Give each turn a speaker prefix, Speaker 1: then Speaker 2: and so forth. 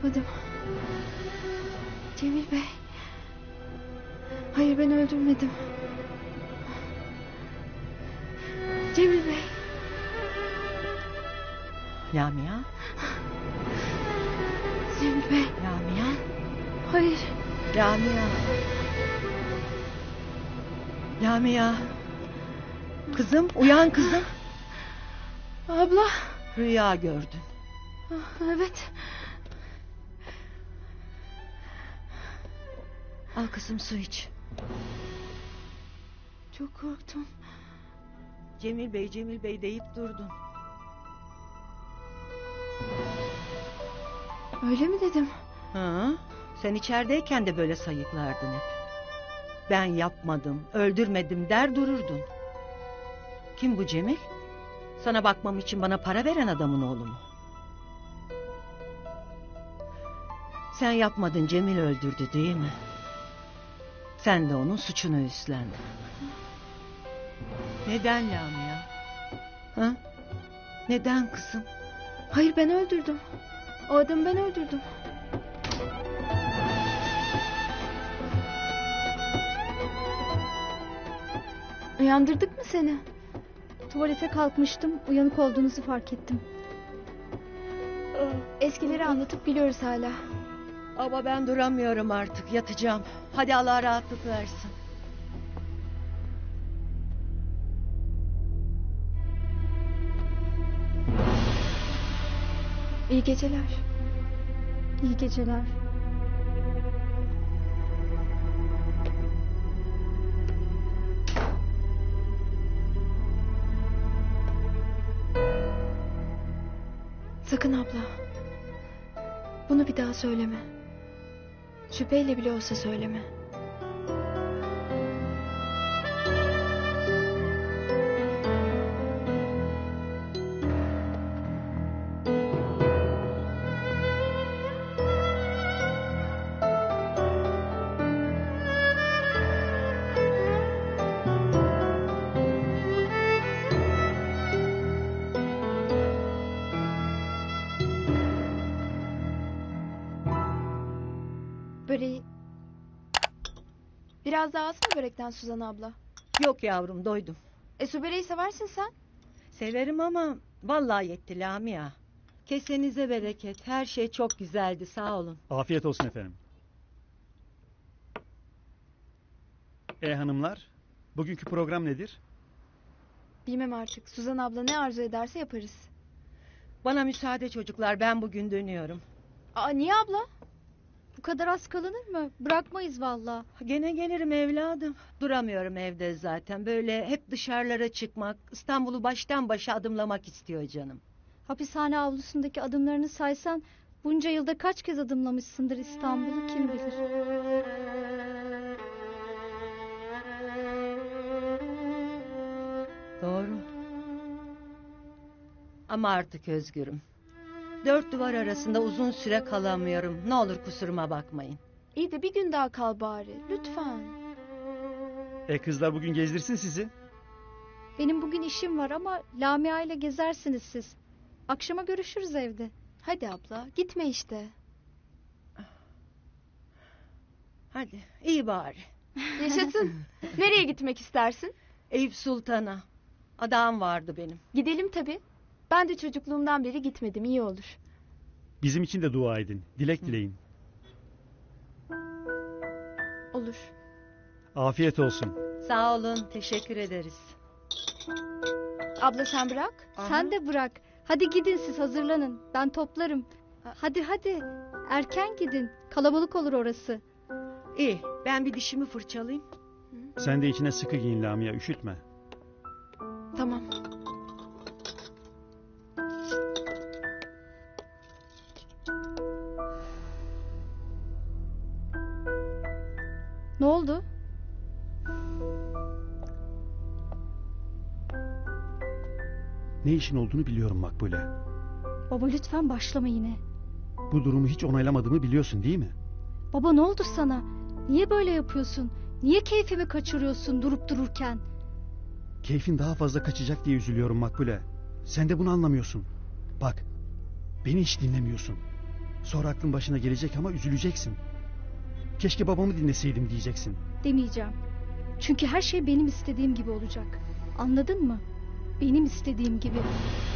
Speaker 1: yapmadım. Cemil Bey. Hayır, ben öldürmedim. Cemil Bey.
Speaker 2: Lamia?
Speaker 1: Cemil Bey.
Speaker 2: Lamia?
Speaker 1: Hayır.
Speaker 2: Lamia? Lamia? Kızım, uyan kızım.
Speaker 1: Abla.
Speaker 2: Rüya gördün.
Speaker 1: Evet.
Speaker 2: Al kızım, su iç.
Speaker 1: Çok korktum.
Speaker 2: Cemil Bey, Cemil Bey deyip durdun.
Speaker 1: Öyle mi dedim?
Speaker 2: Hı? Sen içerideyken de böyle sayıklardın hep. Ben yapmadım, öldürmedim der dururdun. Kim bu Cemil? Sana bakmam için bana para veren adamın oğlu mu? Sen yapmadın, Cemil öldürdü değil mi? Sen de onun suçunu üstlendin. Neden Lamia? Ha? Neden kızım?
Speaker 1: Hayır, ben öldürdüm. O adamı ben öldürdüm. Uyandırdık mı seni?
Speaker 3: Tuvalete kalkmıştım, uyanık olduğunuzu fark ettim.
Speaker 1: Eskileri anlatıp gülüyoruz hala.
Speaker 2: Ama ben duramıyorum artık, yatacağım. Hadi Allah rahatlık versin.
Speaker 1: İyi geceler.
Speaker 3: İyi geceler.
Speaker 1: Sakın abla. Bunu bir daha söyleme. Şüpheyle bile olsa söyleme. Böreği. Biraz daha alsana börekten Suzan abla.
Speaker 2: Yok yavrum, doydum.
Speaker 1: Su böreği seversin sen.
Speaker 2: Severim ama vallahi yetti Lamia. Kesenize bereket. Her şey çok güzeldi, sağ olun.
Speaker 4: Afiyet olsun efendim. Hanımlar, bugünkü program nedir?
Speaker 1: Bilmem artık. Suzan abla ne arzu ederse yaparız.
Speaker 2: Bana müsaade çocuklar, ben bugün dönüyorum.
Speaker 1: Niye abla?
Speaker 3: Bu kadar az kalınır mı? Bırakmayız valla.
Speaker 2: Gene gelirim evladım. Duramıyorum evde zaten. Böyle hep dışarılara çıkmak, İstanbul'u baştan başa adımlamak istiyor canım.
Speaker 3: Hapishane avlusundaki adımlarını saysan bunca yılda kaç kez adımlamışsındır İstanbul'u kim bilir.
Speaker 2: Doğru. Ama artık özgürüm. 4 duvar arasında uzun süre kalamıyorum. Ne olur kusuruma bakmayın.
Speaker 1: İyi de bir gün daha kal bari. Lütfen.
Speaker 4: Kızlar bugün gezdirsin sizi.
Speaker 3: Benim bugün işim var ama Lamia ile gezersiniz siz. Akşama görüşürüz evde.
Speaker 1: Hadi abla, gitme işte.
Speaker 2: Hadi, iyi bari.
Speaker 1: Yaşasın. Nereye gitmek istersin?
Speaker 2: Eyüp Sultan'a. Adağım vardı benim.
Speaker 1: Gidelim tabii. Ben de çocukluğumdan beri gitmedim, iyi olur.
Speaker 4: Bizim için de dua edin. Dilek dileyin.
Speaker 1: Olur.
Speaker 4: Afiyet olsun.
Speaker 2: Sağ olun, teşekkür ederiz.
Speaker 1: Abla sen bırak.
Speaker 3: Sen de bırak. Hadi gidin siz, hazırlanın. Ben toplarım. Hadi. Erken gidin. Kalabalık olur orası.
Speaker 2: İyi, ben bir dişimi fırçalayayım.
Speaker 4: Sen de içine sıkı giyin Lamia, üşütme.
Speaker 1: Tamam.
Speaker 3: Ne oldu?
Speaker 4: Ne işin olduğunu biliyorum Makbule.
Speaker 3: Baba lütfen başlama yine.
Speaker 4: Bu durumu hiç onaylamadığımı biliyorsun değil mi?
Speaker 3: Baba ne oldu sana? Niye böyle yapıyorsun? Niye keyfimi kaçırıyorsun durup dururken?
Speaker 4: Keyfin daha fazla kaçacak diye üzülüyorum Makbule. Sen de bunu anlamıyorsun. Bak, beni hiç dinlemiyorsun. Sonra aklın başına gelecek ama üzüleceksin. Keşke babamı dinleseydim diyeceksin.
Speaker 3: Demeyeceğim. Çünkü her şey benim istediğim gibi olacak. Anladın mı? Benim istediğim gibi.